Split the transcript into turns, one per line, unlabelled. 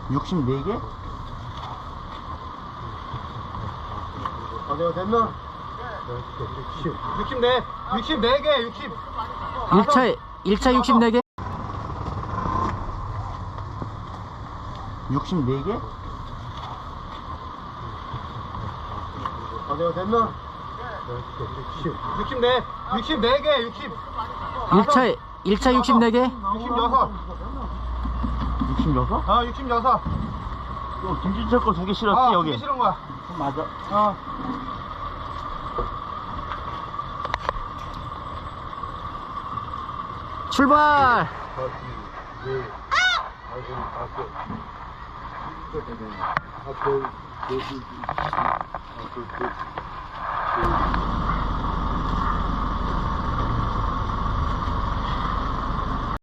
64개?
내가 됐나? 64개, 60.
1차 64개? 64개?
내가 됐나? 64개, 60.
1차 64개?
66.
66?
66.
이거 김진철 거 2개 실었지,
아,
여기?
그게 싫은 거야.
맞아. 출발!
아!